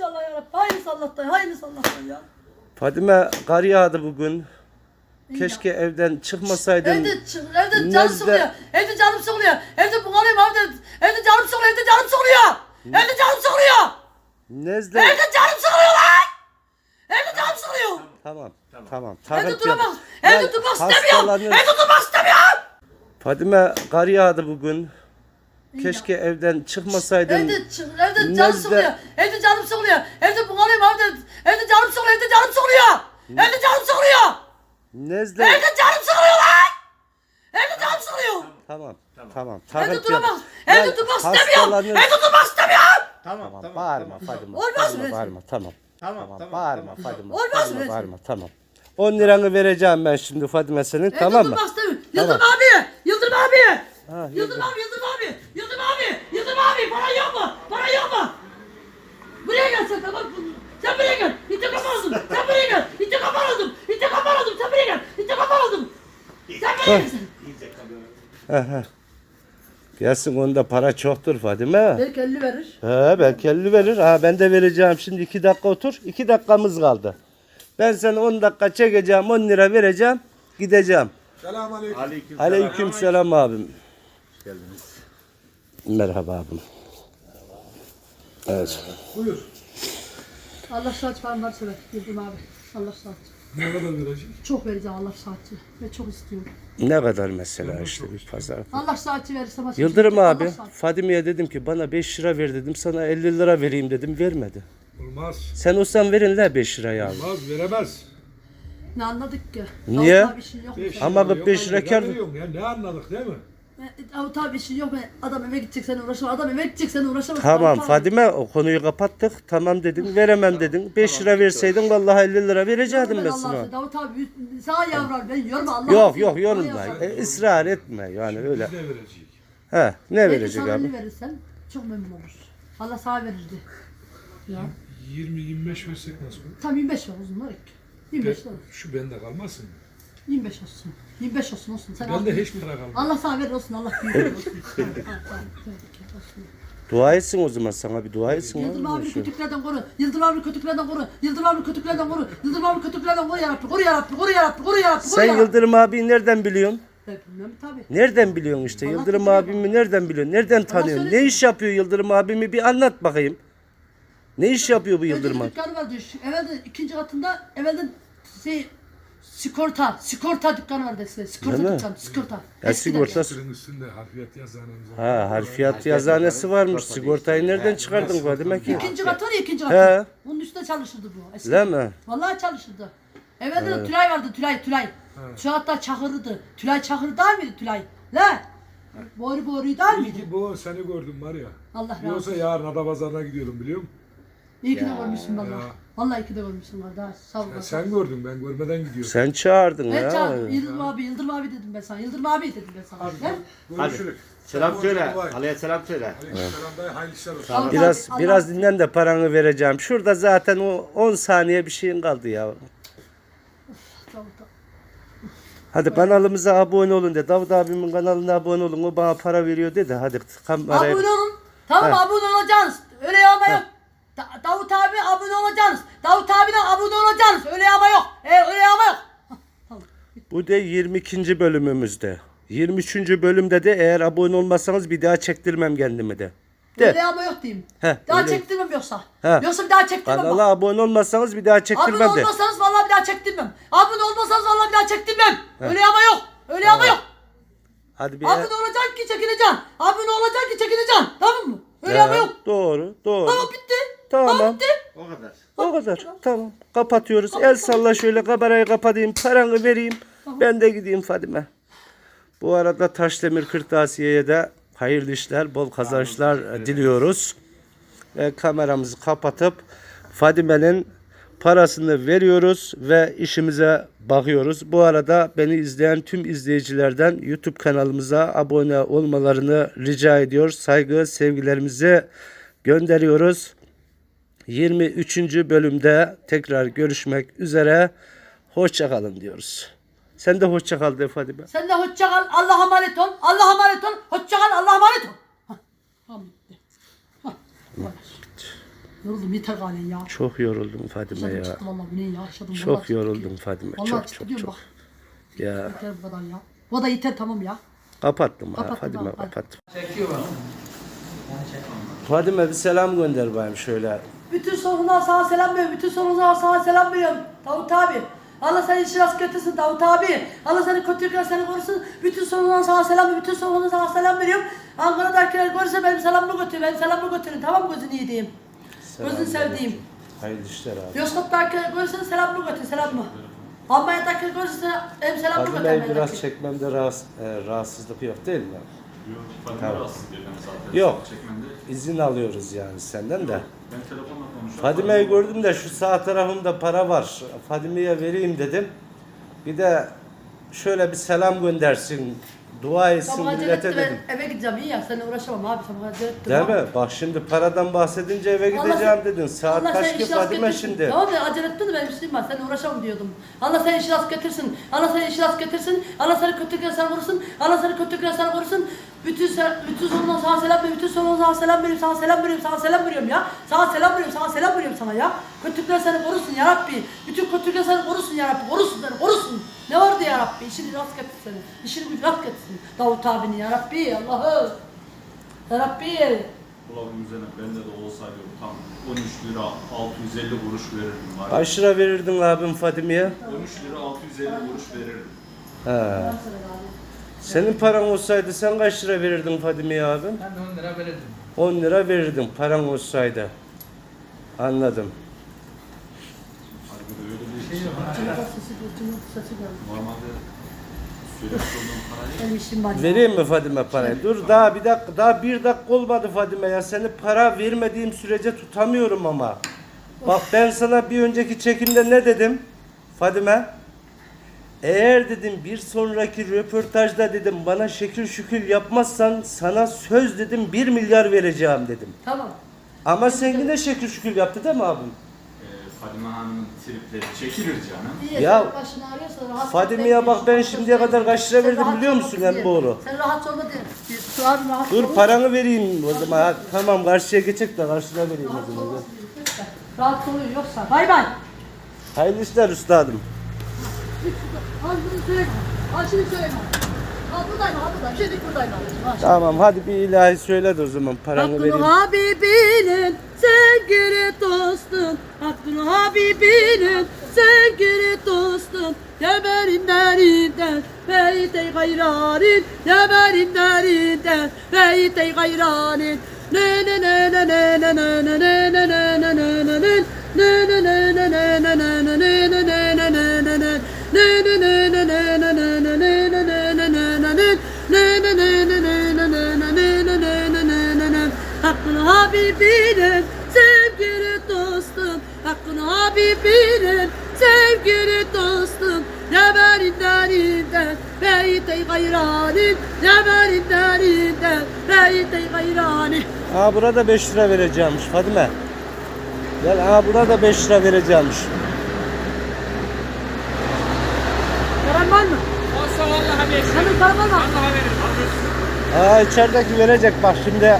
İnşallah yarabbim. Hayırlısı Allah'tan. Hayırlısı Allah'tan ya. Fadime kar yağdı bugün. İyi Keşke evden çıkmasaydın. Evde canım sıkılıyor. Evde canım sıkılıyor. Evde bunalıyım evde. Evde canım sıkılıyor. Evde canım sıkılıyor. Evde canım sıkılıyor. Nezle. Evde canım sıkılıyor lan. Evde canım sıkılıyor. Tamam. Evde duramam. Ya, Evde durmak istemiyorum. hastalanıyorsun. Evde durmak istemiyorum. Fadime kar yağdı bugün. Keşke evden çıkmasaydın. Evde canım Nezle. sıkılıyor. Evde canım sıkılıyor. Evde bunalıyım evde. Evde canım sıkılıyor. Evde canım sıkılıyor. Evde canım sıkılıyor. Nezle. Evde canım sıkılıyor lan. Evde canım sıkılıyor. Tamam. Evde Takıntı duramam. yok. Evde Ya, durmak istemiyorum. hastalanıyorsun. Evde durmak istemiyorum. Tamam. Bağırma Fadime. Olmaz mı? Bağırma. Tamam. Tamam. Bağırma Fadime. Olmaz mı? Bağırma. Tamam. 10 liranı vereceğim ben şimdi Fadime senin. Tamam mı? Durmak istemiyorum. Yıldırım abi. Yıldırım abi. Ha, Yıldırım abi. Yıldırım abi. Para yok mu? Para yok mu? Buraya gel sen tamam. Sen buraya gel. İntikam aldım. Sen buraya gel. İntikam aldım. Sen buraya gel. İntikam aldım. Sen buraya gel. Gelsin onda para çoktur Fadime. Belki 50 verir. Belki 50 verir. Ben de vereceğim şimdi 2 dakika otur. 2 dakikamız kaldı. Ben sana 10 dakika çekeceğim 10 lira vereceğim. Gideceğim. Aleyküm. Aleykümselam abim. Geldiniz. Merhaba abim. Evet. Buyur. Allah saat falan varsa ver. Yıldırım abi. Allah saat. Ne kadar verecek? Çok vereceğim Allah saati. Ve çok istiyorum. Ne kadar mesela işte bir pazar. Allah saati verirse başka Yıldırım Allah abi saati. Fadime'ye dedim ki bana 5 lira ver dedim. Sana 50 lira vereyim dedim. Vermedi. Olmaz. Sen olsan verin la 5 lirayı abi. Olmaz, veremez. Ne anladık ki? Niye? Davut abi işin yok mu? Beş Ama lira bak yok, 5 lira ben kar- veriyorum ya. Ne anladık değil mi? Davut abi işin yok mu? Adam eve gidecek sen uğraşamaz. Adam eve gidecek sen uğraşamaz. Tamam Davut abi. Fadime o konuyu kapattık. Tamam dedin. Veremem dedin. 5 lira verseydin vallahi 50 lira verecektim ben Ben sana. Allah'ım Davut abi sağ yavrum ben yorma Allah. Yok yorulma. Israr etme yani öyle. Ne verecek? Ne verecek sana abi? 50 verirsen çok memnun olur. Allah sağ verirdi. Ya. 20-25 versek nasıl olur? Tam 25 var uzunlar ek. 25 olur. Şu bende kalmasın mı? 25 olsun. 25 olsun. Sen al. Bende hiç para kalmaz. Allah sağ verir olsun. Allah büyük olsun. Dua etsin o zaman sana bir dua etsin. Yıldırım oğlum abi şu. kötüklerden koru. Yıldırım abi kötüklerden koru. Yıldırım abi kötüklerden koru. Yıldırım abi kötüklerden koru yarabbim. Koru yarabbim. Koru yarabbim. Koru yarabbim. Sen Yıldırım abiyi nereden biliyorsun? Ben bilmem tabii. Nereden biliyorsun işte? Allah Yıldırım biliyor abimi nereden biliyorsun? Nereden tanıyorsun? Ne söylesin. iş yapıyor Yıldırım abimi bir anlat bakayım. Ne iş yapıyor bu Yıldırım abi? Dükkanı vardı. Evvelde ikinci katında evvelde sigorta dükkanı vardı eskiden. Sigorta Değil mi? dükkanı. Sigorta. Ya Eskiden. sigorta. Sırın üstünde harfiyat yazanımız var. Harfiyat yazanesi varmış. Sigortayı nereden çıkardın Fadime ki? İkinci katı var ya ikinci He. katı. Bunun üstünde çalışırdı bu. Eskiden. Değil mi? Vallahi çalışırdı. Evvelde de Tülay vardı Tülay. Şu hatta Çakır'dı. Tülay Çakır değil miydi Tülay? La. Boru değil İyi miydi? ki bu seni gördüm var ya. Allah razı Yoksa olsun. yarın Adapazarı'na gidiyorum biliyor musun? İyi ki de görmüşsün vallahi. Ya. Vallahi iyi ki de görmüşsün kardeş. Sağ ol. Sen gördün ben görmeden gidiyorum. Sen çağırdın Evet ya. canım. Yıldırım abi dedim ben sana. Yıldırım abi dedim ben sana. Gel. Görüşürüz. Selam söyle. Kolay. Ali'ye selam söyle. Aleykümselam dayı, hayırlı işler olsun. Allah- Biraz dinlen de paranı vereceğim. Şurada zaten o 10 saniye bir şeyin kaldı ya. Tamam. Hadi kanalımıza abone olun de. Davut abimin kanalına abone olun. O bana para veriyor dedi. Hadi kameraya. Abone olun. Tamam He. abone olacaksınız. Öyle yağma yok. Davut abi abone olacaksınız. Davut abine abone olacaksınız. Öyle yağma yok. Öyle yağma yok. Bu da 22. bölümümüzde. 23. bölümde de eğer abone olmazsanız bir daha çektirmem kendimi de. Öyle De. yağma yok diyeyim. He, Daha öyle. çektirmem yoksa. He. Yoksa bir daha çektirmem. bak. Kanala abone olmazsanız bir daha Abone çektirmem de. olmasanız vallahi bir daha çektirmem. Abone olmasanız vallahi bir daha çektirmem. Öyle yağma yok. Öyle yağma yok. Hadi bir Abone olacaksın ki çekileceksin. Abone olacaksın ki çekileceksin. Tamam mı? Öyle yağma yok. Doğru. Tamam bitti. Tamam. Bitti. O kadar. O kadar. Tamam. Kapatıyoruz. El salla şöyle kamerayı kapatayım. Paranı vereyim. Ben de gideyim Fadime. Bu arada Taşdemir Kırtasiye'ye de hayırlı işler, bol kazançlar diliyoruz. Kameramızı kapatıp Fadime'nin parasını veriyoruz ve işimize bakıyoruz. Bu arada beni izleyen tüm izleyicilerden YouTube kanalımıza abone olmalarını rica ediyor. Saygı, sevgilerimizi gönderiyoruz. 23. bölümde tekrar görüşmek üzere. Hoşça kalın diyoruz. Sen de hoşça kal de Fadime. Sen de hoşça kal. Allah'a emanet ol. Allah'a emanet ol. Hoşça kal. Allah'a emanet ol. Hah, tamam bitti. Hah, bu kadar. Yoruldum yeter galiba ya. Çok yoruldum Fadime Yaşadım ya. çıktım valla bu ne ya yaşadım. Çok vallahi yoruldum Fadime. Vallahi Çok çıktı çok diyorum çok. bak. Ya Yeter bu kadar ya. Bu da yeter tamam ya. kapattım ha Kapattım, Fadime hadi. kapattım. Çekiyor bak. Fadime bir selam gönder bayım şöyle. Bütün sorunlar sana selam veriyorum. Bütün sorunlar sana selam veriyorum. Davut abi. Allah seni işi rast götürsün Davut abi. Allah seni kötülükler seni korusun. Bütün sorunlar sana selam veriyorum. Bütün sorunlar sana selam veriyorum. Ankara'dakiler görürse benim selamımı götürün. Benim selamımı götürün. Tamam mı gözünü yediğim? Gözünü sevdiğim. Hayırlı işler abi. Yozgat'takiler görürse selamımı götür. Selam mı? Almanya'dakiler görürse benim selamımı götür. Fadime'yi biraz Almanya'daki. çekmemde rahatsızlık yok değil mi? Yok, Fadime Tamam. rahatsız değil ben zaten. Yok. Çekmende. İzin alıyoruz yani senden de. Ben telefonla konuşuyorum. Fadime'yi gördüm de şu sağ tarafımda para var. Fadime'ye vereyim dedim. Bir de şöyle bir selam göndersin. Dua etsin Sabah acele millete etti dedim. ben eve gideceğim iyi ya seninle uğraşamam abi sabah acele ettim. Değil abi. mi? Bak şimdi paradan bahsedince eve Allah gideceğim sen- dedin. Saat Allah kaç seni ki işi rast Fadime getirsin. şimdi? Tamam ya acele ettin de benim işim var. Seninle uğraşamam diyordum. Allah seni işi rast getirsin. Allah seni işi rast getirsin. Allah seni kötülükler sana korusun. Allah seni kötülükler sana korusun. Bütün sorundan sana selam veriyorum. Bütün sorundan sana selam veriyorum. Sana selam veriyorum. Sana selam veriyorum ya. Sana selam veriyorum. Sana selam veriyorum sana ya. Kötülükler seni korusun ya Rabbi. Bütün kötülükler seni korusun ya Rabbi. Korusun seni korusun. Ne vardı ya Rabbi? İşini rast getirsin seni. İşini gücü rast getirsin. Davut abini ya Rabbi. Allah'ım. Ya Rabbi. Dolabın üzerine bende de olsaydı tam 13 lira 650 kuruş verirdim. Var. Kaç lira verirdin abim Fadime'ye? 13 lira 650 kuruş verirdim. He. Senin paran olsaydı sen kaç lira verirdin Fadime'ye abim? Ben de 10 lira verirdim. 10 lira verirdin paran olsaydı. Anladım. Fadime öyle bir Şey şey yok. var. Sesi geldi. Normalde söylemiş olduğum parayı Benim işim var. Vereyim mi Fadime parayı? Dur daha bir dakika olmadı Fadime ya. Seni para vermediğim sürece tutamıyorum ama. Bak ben sana bir önceki çekimde ne dedim Fadime? Eğer dedim bir sonraki röportajda dedim bana şekil şükür yapmazsan sana söz dedim 1 milyar vereceğim dedim. Tamam. Ama sen yine şekil şükür yaptı değil mi abim? Fadime Hanım'ın tripleri çekilir canım. İyi, Ya, sen başını ağrıyorsa rahat Fadime'ye ol, bak ben rahat şimdiye ol. kadar kaç lira Sen verdim rahat biliyor ol, musun diye. en doğru? Sen rahat olma diye. Şu abi rahat Dur ol. paranı vereyim o zaman. Ha, tamam karşıya geçecek de karşıya vereyim Rahat o zaman. olmasın diye. Lütfen. Rahat oluyor yoksa. Bay bay. Hayırlı işler üstadım. Al bunu söyle. Al şunu söyle. Al buradayım, al buradayım. Şimdi buradayım. Al. Tamam hadi bir ilahi söyle de o zaman paranı Hakkını vereyim. Habibinin sevgili dostun. Hakkını Habibinin sevgili dostun. Ya benim derinden beyte gayranin. Ya benim derinden beyte gayranin. Ne ne ne ne ne ne ne ne ne ne ne ne ne ne ne. Ne ne ne ne ne ne ne ne ne ne ne ne ne ne ne. Ne ne ne ne ne ne ne ne ne ne ne ne ne ne ne. Ne ne ne ne ne ne ne ne ne ne ne ne ne ne. Hakkını Habibinin sevgili dostum. Hakkını Habibinin sevgili dostum. Ya benim derinden beyte gayranin. Ya benim derinden beyte gayranin. Aa burada 5 lira vereceğimmiş Fadime. Gel aa burada 5 lira vereceğimmiş. Paran var mı? Olsa vallahi verirdim. Senin paran var mı? Vallahi verirdim. Aa içerideki verecek bak şimdi.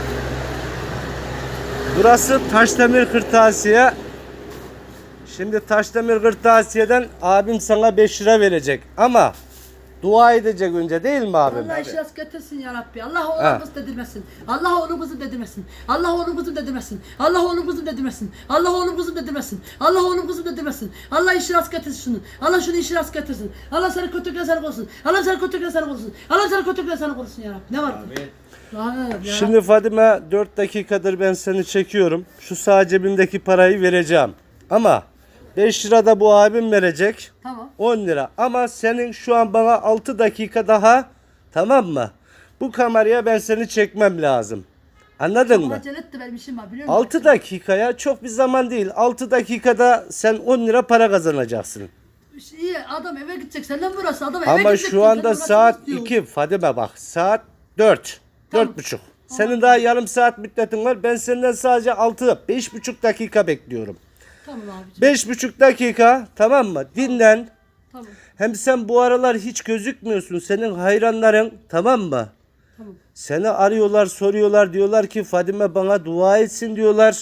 Burası Taşdemir Kırtasiye. Şimdi Taşdemir Kırtasiye'den abim sana 5 lira verecek ama dua edecek önce değil mi abim? Allah işi rast getirsin ya Rabbi. Allah Ha. onu kız dedirmesin. Allah onu kızı dedirmesin. Allah onu kızı dedirmesin. Allah onu kızı dedirmesin. Allah onu kızı dedirmesin. Allah onu kızı dedirmesin. Allah işi rast getirsin şunu. Allah şunu işi rast getirsin. Allah seni kötülükler sana korusun. Allah seni kötülükler sana korusun. Allah seni kötülükler sana korusun ya Rabbi. Ne var? Şimdi Şimdi Fadime 4 dakikadır ben seni çekiyorum. Şu sağ cebimdeki parayı vereceğim. Ama 5 lira da bu abim verecek. tamam. 10 lira. Ama senin şu an bana 6 dakika daha tamam mı? Bu kameraya ben seni çekmem lazım. Anladın mı? Acele etti benim işim var biliyor musun? 6 dakikaya çok bir zaman değil. 6 dakikada sen 10 lira para kazanacaksın. İyi adam eve gidecek. Senden burası adam eve Ama gidecek. şu anda Senden saat uğraşmak istiyor. 2. Fadime bak saat 4. Tamam. 4.30. Senin daha yarım saat müddetin var. Ben senden sadece 6, 5,5 dakika bekliyorum. Tamam abiciğim. 5,5 dakika tamam mı? Dinlen. Tamam. Hem sen bu aralar hiç gözükmüyorsun. Senin hayranların tamam mı? Tamam. Seni arıyorlar, soruyorlar. Diyorlar ki Fadime bana dua etsin diyorlar.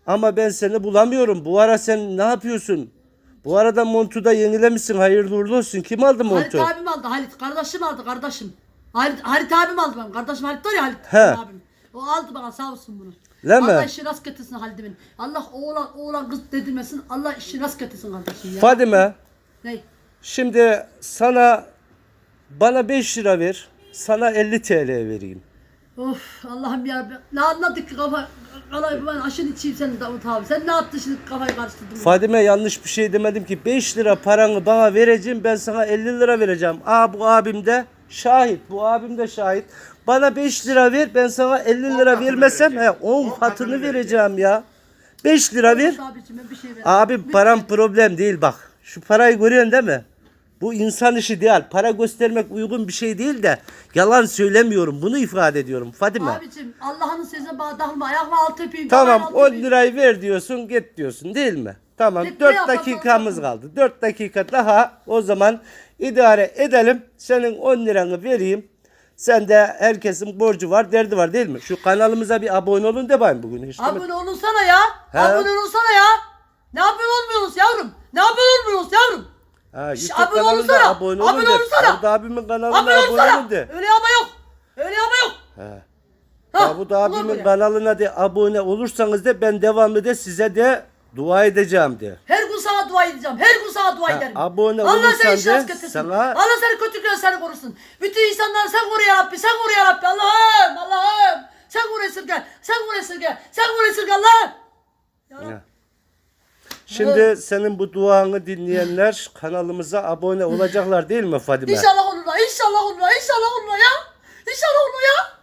Ama ben seni bulamıyorum. Bu ara sen ne yapıyorsun? Bu arada montu da yenilemişsin. Hayırlı uğurlu olsun. Kim aldı Halit montu? abim aldı. Halit kardeşim aldı kardeşim. Halit abim aldı benim. Kardeşim Halit var ya Halit He. abim. O aldı bana sağ olsun bunu. Değil mi? Allah işi rast getirsin Halit'imin. Allah oğlan kız dedirmesin. Allah işi rast getirsin kardeşim ya. Fadime, Ne? şimdi bana 5 lira ver. Sana 50 TL vereyim. Of Allah'ım ya. Ne anladık ki kafa. Ben aşın içeyim senin Davut abi. Sen ne yaptın şimdi kafayı karıştırdın? Fadime yanlış bir şey demedim ki. 5 lira paranı bana vereceğim. Ben sana 50 lira vereceğim. Bu abim de şahit. Bu abim de şahit. Bana 5 lira ver. Ben sana 50 lira katını vermesem vereceğim. 10 10 katını katını vereceğim ya. 5 lira ver. Abicim ben bir şey ver. Abi param problem değil bak. Şu parayı görüyorsun değil mi? Bu insan işi değil. Para göstermek uygun bir şey değil de yalan söylemiyorum. Bunu ifade ediyorum Fadime. Abicim Allah'ın sözüne bağlanma. Ayakla altı öpeyim. Tamam altı 10 öpeyim. lirayı ver diyorsun git diyorsun değil mi? Tamam Ne 4 yaparsan dakikamız yapalım. kaldı. 4 dakika daha o zaman idare edelim. Senin 10 liranı vereyim. Sende herkesin borcu var, derdi var değil mi? Şu kanalımıza bir abone olun de bakayım bugün. Hiç demedim. Abone olunsana ya. He. Abone olunsana ya. Ne abone olmuyorsunuz yavrum? Ne abone olmuyorsunuz yavrum? Ha, Şş, YouTube abone kanalına olsana. abone olun Abone de. olsana. Davut abimin kanalına Abone abone olsana. olun de. Öyle ama yok. Öyle ama yok. He. Ha, Davut olur abimin mu? kanalına de abone olursanız da ben devamlı de size de dua edeceğim de. Her gün sana dua edeceğim. Her gün sana dua Ha, ederim. abone Allah olursan seni şans de getirsin. sana- Allah seni kötülükten seni korusun. Bütün insanları sen koru ya Rabbi. Sen koru ya Rabbi. Allah'ım. Allah'ım. Sen koru esirge. Sen koru esirge. Sen koru esirge Allah'ım. Ya Rabbi. Şimdi senin bu duanı dinleyenler kanalımıza abone olacaklar değil mi Fadime? İnşallah olurlar. İnşallah olurlar. İnşallah olurlar ya. İnşallah olurlar ya.